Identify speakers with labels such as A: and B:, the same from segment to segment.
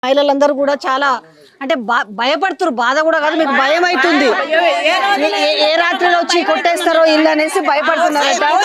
A: మహిళలందరూ కూడా చాలా అంటే భయపడుతున్నారు. బాధ కూడా కాదు, మీకు భయం అవుతుంది. ఏ రాత్రిలో వచ్చి కొట్టేస్తారో ఇల్లు అనేసి భయపడుతున్నారు.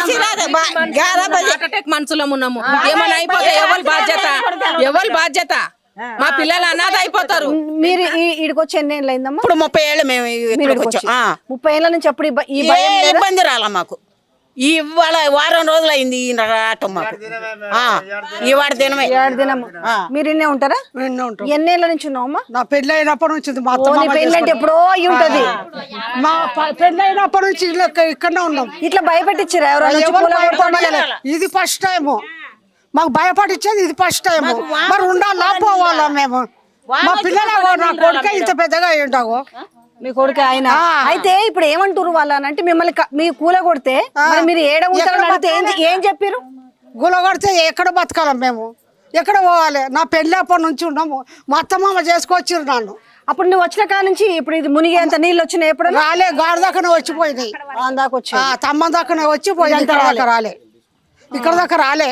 B: మనసులో ఉన్నాము, ఏమైనా అయిపోతే ఎవరి బాధ్యత మా పిల్లలు అనాథ అయిపోతారు.
A: మీరు ఈడికి వచ్చి ఎన్ని ఏళ్ళు అయిందమ్మా?
C: ఇప్పుడు 30 ఏళ్ళు మేము
A: 30 ఏళ్ళ నుంచి అప్పుడు ఈ
C: ఇబ్బంది రాలా మాకు. ఇవాళ వారం రోజులు అయింది రావటం మాకు. ఈ వాడి దినమే
A: 7 దినం. మీరు ఇన్నే ఉంటారా? ఎన్నేళ్ల నుంచి ఉన్నావమ్మా?
D: నా పెళ్లి అయినప్పటి నుంచి
A: పెళ్లి అంటే ఎప్పుడో అయి ఉంటది.
D: మా పెళ్లి అయినప్పటి నుంచి ఇక్కడనే ఉన్నాం.
A: ఇట్లా భయపెట్టించారా ఎవరైనా?
D: ఇది ఫస్ట్ టైం మాకు భయపడిచ్చేది, ఇది ఫస్ట్ టైం. మరి ఉండాలా పోవాలా మేము? మా పిల్లలు నా కొడుకే ఇంత పెద్దగా ఉంటావు.
A: మీ కొడుకు ఆయన అయితే ఇప్పుడు ఏమంటారు వాళ్ళనంటే మిమ్మల్ని మీ కూల కొడితే మీరు ఏడ ఉంటారంటే ఏం చెప్పారు?
D: గుల కొడితే ఎక్కడ బతకాలం మేము, ఎక్కడ పోవాలి? నా పెళ్లి అప్పటి నుంచి ఉన్నాము. మా అత్తమామ చేసుకొచ్చిరు నన్ను.
A: అప్పుడు నువ్వు వచ్చిన కాడ నుంచి ఇప్పుడు ఇది మునిగేంత నీళ్ళు వచ్చినాయి? ఎప్పుడు
D: రాలే, గాడి దాకానే వచ్చిపోయినాయి. తమ్మ దాకానే వచ్చిపోయింది. ఇక్కడ దాకా రాలే.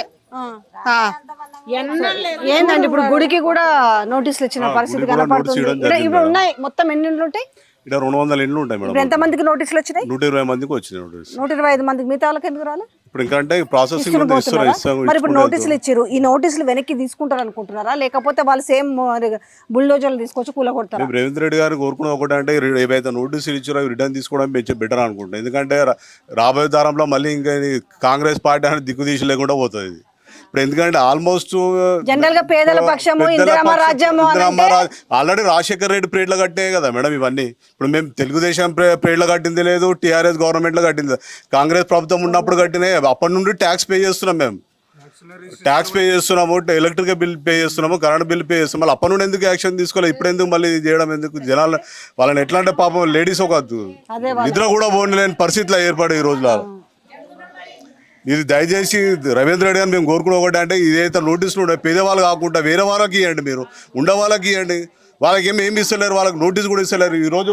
A: ఏందండి ఇప్పుడు గుడికి కూడా నోటీసులు ఇచ్చిన పరిస్థితి కనపడుతుంది. ఇప్పుడు ఉన్నాయి మొత్తం ఎన్ని ఇండ్లు ఉంటాయి?
E: 200 ఇండ్లు ఉంటాయి మేడం.
A: ఎంత మందికి నోటీసులు వచ్చినాయి?
E: 120 మందికి వచ్చినాయి నోటీస్.
A: 125 మందికి. మిగతా వాళ్ళకి ఎందుకు రాలే?
E: ఇప్పుడు ఇంకా ప్రాసెసింగ్
A: మరి ఇప్పుడు నోటీసులు ఇచ్చారు, ఈ నోటీసులు వెనక్కి తీసుకుంటారు అనుకుంటున్నారా, లేకపోతే వాళ్ళు సేమ్ బుల్డోజర్లు తీసుకొచ్చి కూల కొడతారు?
E: రేవంత్ రెడ్డి గారు కోరుకున్న ఒకటి అంటే ఏవైతే నోటీసులు ఇచ్చారో అవి రిటర్న్ తీసుకోవడం బెటర్ అనుకుంటాం. ఎందుకంటే రాబోయే తరంలో మళ్ళీ ఇంకా కాంగ్రెస్ పార్టీ అనేది దిక్కు తీసి లేకుండా పోతుంది. ఇప్పుడు ఎందుకంటే ఆల్మోస్ట్
A: జనరల్ గా పేదల పక్షము
E: ఆల్రెడీ రాజశేఖర్ రెడ్డి ప్రేడ్లో కట్టే కదా మేడం ఇవన్నీ. ఇప్పుడు మేము తెలుగుదేశం ప్రేడ్లో కట్టింది లేదు, టీఆర్ఎస్ గవర్నమెంట్ లో కట్టింది, కాంగ్రెస్ ప్రభుత్వం ఉన్నప్పుడు కట్టినాయి. అప్పటి నుండి ట్యాక్స్ పే చేస్తున్నాం, మేము ట్యాక్స్ పే చేస్తున్నాము, ఎలక్ట్రిక్ బిల్ పే చేస్తున్నాము, కరెంట్ బిల్ పే చేస్తున్నాం. మళ్ళీ అప్పటి నుండి ఎందుకు యాక్షన్ తీసుకోవాలి? ఇప్పుడు ఎందుకు మళ్ళీ చేయడం ఎందుకు? జనాలు వాళ్ళని ఎట్లా అంటే పాపం లేడీస్ ఒక నిద్ర కూడా పోలేని పరిస్థితిలో ఏర్పడే ఈ రోజులో. ఇది దయచేసి రవీంద్ర రెడ్డి గారు మేము కోరుకున్న ఒకటి అంటే ఇదైతే నోటీసులు ఉన్నాయి పేదవాళ్ళు కాకుండా వేరే వాళ్ళకి ఇవ్వండి, మీరు ఉండే వాళ్ళకి ఇవ్వండి. వాళ్ళకి ఏమి ఇస్తలేరు, వాళ్ళకి నోటీస్ కూడా ఇస్తలేరు. ఈరోజు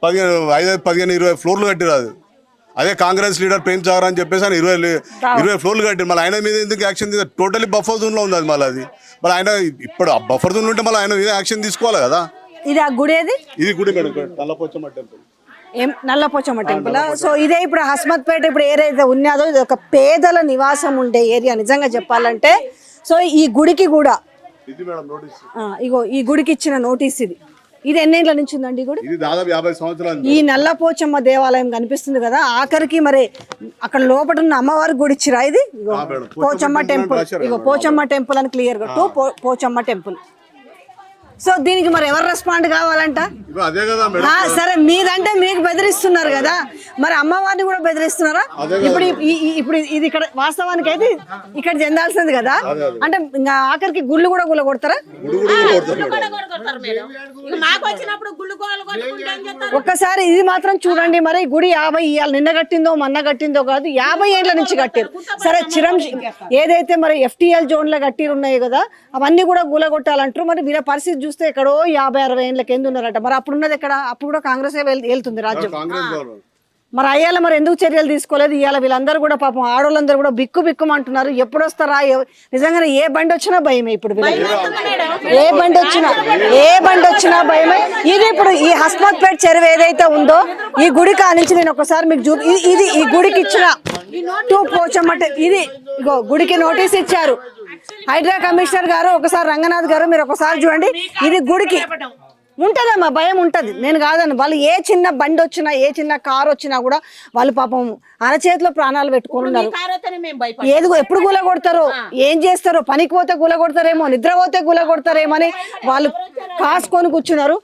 E: 15-20 ఫ్లోర్లు కట్టిరాదు. అదే కాంగ్రెస్ లీడర్ ప్రేమ్ సాగర్ అని చెప్పేసి ఆయన 20 ఫ్లోర్లు కట్టారు. మళ్ళీ ఆయన మీద ఎందుకు యాక్షన్ టోటలీ బఫర్ జోన్లో ఉంది అది. మళ్ళీ అది మళ్ళీ ఆయన ఇప్పుడు బఫర్ జోన్ ఉంటే మళ్ళీ ఆయన మీద యాక్షన్ తీసుకోవాలి కదా.
A: ఇది ఆ గుడి ఏది?
E: ఇది గుడి madam, Nallapochamma temple.
A: Nallapochamma temple. So ఇదే ఇప్పుడు హస్మత్పేట ఇప్పుడు ఏదైతే ఉన్నదో ఇది ఒక పేదల నివాసం ఉండే ఏరియా నిజంగా చెప్పాలంటే. సో ఈ గుడికి కూడా ఇగో ఈ గుడికి ఇచ్చిన నోటీస్ ఇది. ఇది ఎన్నేళ్ల నుంచి ఉందండి ఈ గుడి?
E: దాదాపు 50 సంవత్సరాలు.
A: ఈ నల్లపోచమ్మ దేవాలయం కనిపిస్తుంది కదా, ఆఖరికి మరి అక్కడ లోపల ఉన్న అమ్మవారి గుడి ఇచ్చిరా? ఇది పోచమ్మ టెంపుల్. ఇగో పోచమ్మ టెంపుల్ అని క్లియర్ గా పోచమ్మ టెంపుల్. సో దీనికి మరి ఎవరు రెస్పాండ్ కావాలంట? సరే మీదంటే మీకు బెదిరిస్తున్నారు కదా, మరి అమ్మవారిని కూడా బెదిరిస్తున్నారా? ఇప్పుడు ఇది ఇక్కడ వాస్తవానికి అయితే ఇక్కడ చెందాల్సింది కదా, అంటే ఇంకా ఆఖరికి గుళ్ళు కూడా గుల్ల కొడతారా? ఒక్కసారి ఇది మాత్రం చూడండి. మరి గుడి 50 ఇవాళ నిన్న కట్టిందో మొన్న కట్టిందో కాదు, 50 ఏళ్ల నుంచి కట్టారు. సరే ఏదైతే మరి FTL జోన్ లో కట్టిరు ఉన్నాయి కదా, అవన్నీ కూడా గుల కొట్టాలంటారు. మరి వీళ్ళ పరిస్థితి చూస్తే ఎక్కడో 50-60 ఏళ్ళ కింద ఉన్నారట. మరి అప్పుడు ఉన్నది ఎక్కడ? అప్పుడు కూడా కాంగ్రెస్ వెళ్తుంది రాజ్యం. మరి అయ్యాల మరి ఎందుకు చర్యలు తీసుకోలేదు? ఇవాళ వీళ్ళందరూ కూడా పాపం ఆడోళ్ళందరూ కూడా బిక్కుమంటున్నారు. ఎప్పుడు వస్తారా? నిజంగానే ఏ బండి వచ్చినా భయమే. ఇప్పుడు ఏ బండి వచ్చినా భయమే. ఇది ఇప్పుడు ఈ హస్మత్పేట చెరువు ఏదైతే ఉందో ఈ గుడి కానించి నేను ఒకసారి మీకు ఇది ఈ గుడికి ఇచ్చిన 2 పోచమ్మ. ఇది ఇగో గుడికి నోటీస్ ఇచ్చారు హైడ్రా కమిషనర్ గారు. ఒకసారి రంగనాథ్ గారు మీరు ఒకసారి చూడండి. ఇది గుడికి ఉంటదమ్మా, భయం ఉంటది, నేను కాదని. వాళ్ళు ఏ చిన్న బండి వచ్చినా ఏ చిన్న కారు వచ్చినా కూడా వాళ్ళు పాపం అరచేతిలో ప్రాణాలు పెట్టుకుని ఉన్నారు. ఏది ఎప్పుడు గుల కొడతారో, ఏం చేస్తారో, పనికి పోతే గుల కొడతారేమో, నిద్ర పోతే గుల కొడతారేమో అని వాళ్ళు కాసుకొని కూర్చున్నారు.